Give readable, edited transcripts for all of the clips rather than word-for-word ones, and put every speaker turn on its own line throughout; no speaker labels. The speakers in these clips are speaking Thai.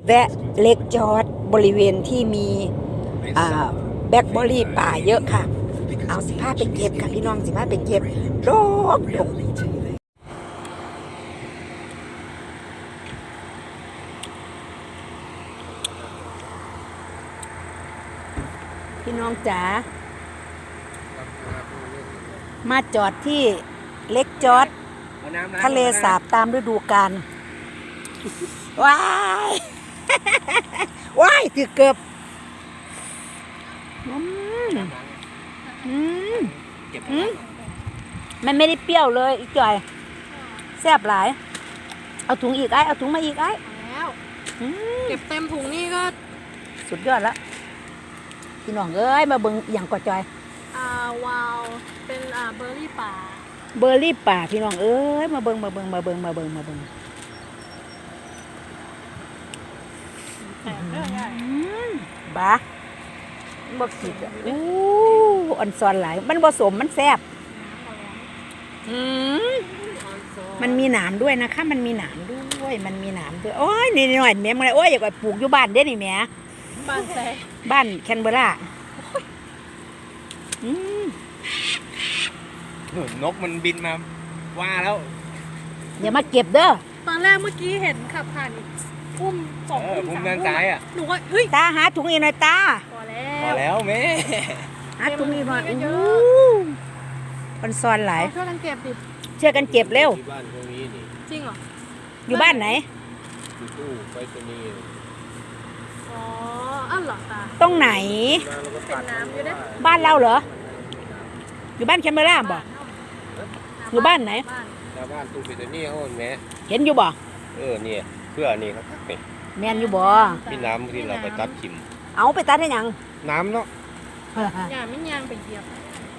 แวะเล็กจอดบริเวณที่มีแบล็คเบอร์รี่ป่าเยอะค่ะเอา15ไปเก็บค่ะพี่น้อง15ไปเก็บดอกพี่น้องจ๋ามาจอดที่เล็กจอดทะเลสาบตามฤดูกาลว้ายว้ายถือเกือบมันไม่ได้เปรี้ยวเลยอีกจ่อยแซ่บหลายเอาถุงอีกไอ้เอาถุงมาอีกไอ้
แล้วเก็บเต็มถุงนี่ก็
สุดยอดแล้วพี่น้องเอ้ยมาเบิ่งอย่างกว่าจอยว
าวเป็นเบอร์รี่ป่า
เบอร์รี่ป่าพี่น้องเอ้ยมาเบิ่งบ้าบ่ผิดอันซอนหลายมันผสมมันแซ่บมันมีหนามด้วยนะคะมันมีหนามด้วยโอ้ยนี่หน่อยแม่มึงเลยโอ้ยอยากไปปลูกอยู่บ้านเด้นี่แม่
บ้านแซ่
บ้านแคนเบอร์ร
นกมันบินมาว่าแล้ว
อย่ามาเก็บเด้อ
ตอนแรกเมื่อกี้เห็นขับผ่านพุ่ม
พุ่มด้านซ้ายอ่ะ
หนูว่าเฮ้ย
ตาหาถุงอีกหน่อยตา
พอแล้วแม่
หาถุงอีกหน่อยมันซอนหลาย
ช่วยกันเก็บดิ
ช่วยกันเก็บเร็ว
บ้านตรงนี้นี่
จริงเหรอ
อยู่บ้านไหน
อยู่ตู้ไปตรงนี้
อ๋ออ้าวเหรอตา
ตรงไหน
เป็นน้ำอยู่ได้
บ้านเราเหรออยู่บ้านแคมเบราบ่อยู่บ้านไหน
บ้านตู้ไปตรงนี้เขาแม่
เห็นอยู่บ่
เนี่ยเพื่อนี่ครับ
แม่นอยู่บ่
พี่น้ำที่เราไปตัดขิม
เอาไปตัดให้ยัง
น้ำเนาะ
อย่าไม่ยางไปเหยียบ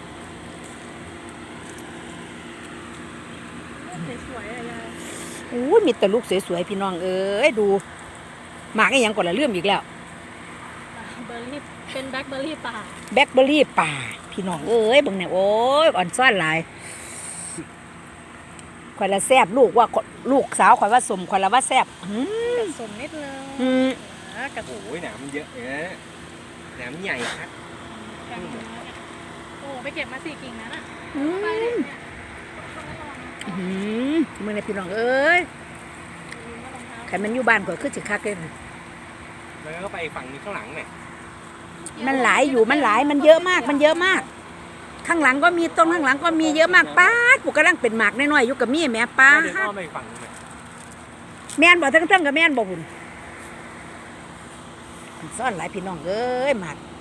สวยๆอะไร
มีแต่ลูกสวยๆพี่น้องเอ้ยดูหมากไอ้ยังก่อนละเลื่อมอีกแล้ว
เบอร์รี่เป็นแบล็คเบอร์รี่ป่า
แบล็คเบอร์รี่ป่าพี่น้องเอ้ยบังเนี่ยโอ้ยอ่อนซ่อนหลายข่อยละแซ่บลูกว่าลูกสาวข่อยว่าสมข่อยละว่าแซ่บ
สมนิดนึง
โอ้ยหนามมันเยอะเนี่ยหนามใหญ่ครับ
โอ้ไปเก็บมา4 กิ่งนั้นอ่ะไปเลยเนี่ย
มึงเนี่ยพี่น้องเอ้ยใครมันอยู่บ้านข่อยคือสิคักเลย
แล้วก็ไปฝั่งนี้ข้างหลังเนี่ย
มันหลายอยู่มันหลายมันเยอะมากข้างหลังก็มีต้นข้างหลังก็มีเยอะมากป้ากูกำลังเป็นหมากน้อยๆอยู่กับมี่แม่ป้าแม่นบ่ทั้งกับแม่นบ่หุ่นซ่อนหลายพี่น้องเอ้ยหมาก